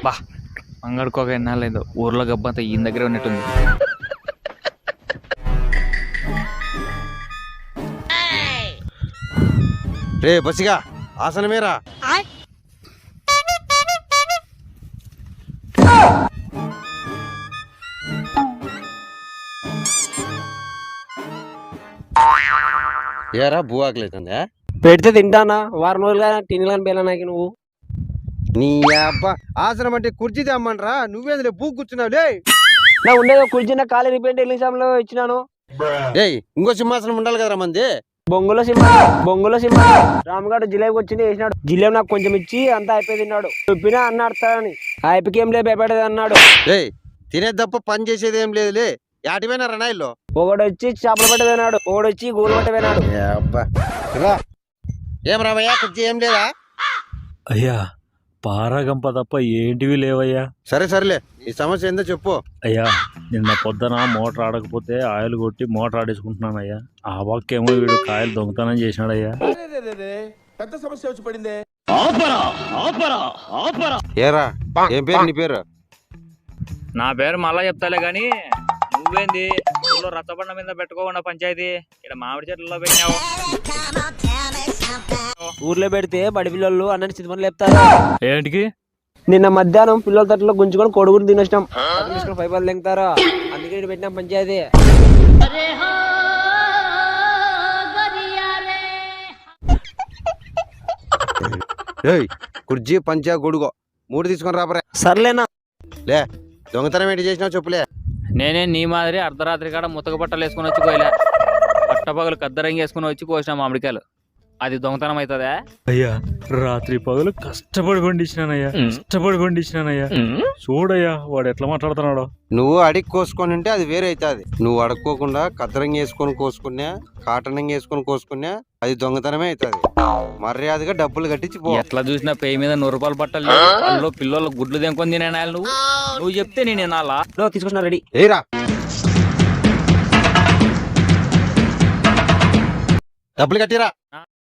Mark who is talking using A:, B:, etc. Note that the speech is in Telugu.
A: బా అంగడుకోక ఎన్నాలేదు ఊర్లో గబ్బంతా ఈయన దగ్గర ఉన్నట్టుంది.
B: రే బసిగా ఆసనమేరా. ఏరా భూ ఆకలేతుందా?
C: పెడితే తింటానా వారం రోజులుగా తినలేని బేలా నాకు నువ్వు.
B: నీ అబ్బా ఆసనం అంటే కుర్చీ తెమ్మనరా, నువ్వేందులే భూ కూర్చున్నావు లే.
C: నా ఉండేది కుర్చీ ఖాళీ రిపేర్ ఎగ్జామ్లో ఇచ్చినాను.
B: ఏయ్ ఇంకో సింహాసనం ఉండాలి కదరా మంది.
C: బొంగులో సింహ రామగాడు జిలేబీ వచ్చింది వేసినాడు. జిలేబీ నాకు కొంచెం ఇచ్చి అంతా అయిపోయి తిన్నాడు. చెప్పినా అన్న అడతాడని ఆ అయిపోయి ఏం లేదు భయపడేది అన్నాడు.
B: ఏయ్ తినేది తప్ప పని చేసేది ఏం లేదులే. యాటిపోయినా రణాయిల్లో
C: ఒకడు వచ్చి చేపలు పట్ట పోయినాడు, ఒకడు వచ్చి గోలు పట్ట పోయినాడు.
B: ఏం రామయ్యా కుర్చీ ఏం లేదా?
D: అయ్యా పారగంప తప్ప ఏంటివి లేవయ్యా.
B: సరే సరేలే ఈ సమస్య ఏందో చెప్పు.
D: అయ్యా నిన్న పొద్దున మోటార్ ఆడకపోతే ఆయిల్ కొట్టి మోటార్ ఆడేసుకుంటున్నాను అయ్యా. ఆ పక్కేమో వీడు కాయలు దొంగతనం చేసినాడయ్యా.
E: పెద్ద సమస్య వచ్చి పడిందే.
B: ఏరా ఏం పేరు నీ పేరు?
A: నా పేరు మళ్ళా చెప్తాలే గాని నువ్వేంది ఊళ్ళో రచ్చబండ మీద పెట్టుకోకుండా పంచాయతీ ఇక్కడ మామిడి చెట్లలో పెట్టినావు.
C: ఊర్లో పెడితే బడి పిల్లలు అన్నని చిత్తం లేపుతారు.
D: ఏంటికి?
C: నిన్న మధ్యాహ్నం పిల్లల తట్లో గుంజుకొని కొడుకుని తినేసినాం. పైపలు లెంగుతారు, అందుకే ఇటు పెట్టినాం పంచాయతీ.
B: ఏయ్ కుర్చీ పంచా గొడుగో 3 తీసుకొని రాబరే.
C: సర్లేనా
B: లే దొంగతనం ఏంటి చేసినావు చెప్పులే.
A: నేనే నీ మాదిరి అర్ధరాత్రి కాడ ముతక బట్టలు వేసుకుని వచ్చి కోయలే, పట్టపగలు కద్దరంగి వేసుకుని వచ్చి కోసిన మామిడికాయలు. అది దొంగతనం అవుతుందా?
D: అయ్యా రాత్రి పగలు కష్టపడి పండించినానయ్యా. చూడయ్యా వాడు ఎట్లా మాట్లాడుతున్నాడో.
B: నువ్వు అడిగి కోసుకొని ఉంటే అది వేరే అవుతుంది. నువ్వు అడుక్కోకుండా కద్దరంగి వేసుకొని కోసుకున్నా, కాటనంగి వేసుకొని కోసుకున్నా అది దొంగతనమే అవుతుంది. మర్యాదగా డబ్బులు కట్టించి పో.
A: ఎట్లా చూసినా పేయి మీద 100 రూపాయలు బట్టలు లేవు. అందులో పిల్లలు గుడ్లు తెంకొని తినేనాయాలి. నువ్వు చెప్తే నేను వినాలా?
C: తీసుకొచ్చిన రెడీ.
B: ఏరా డబ్బులు కట్టిరా.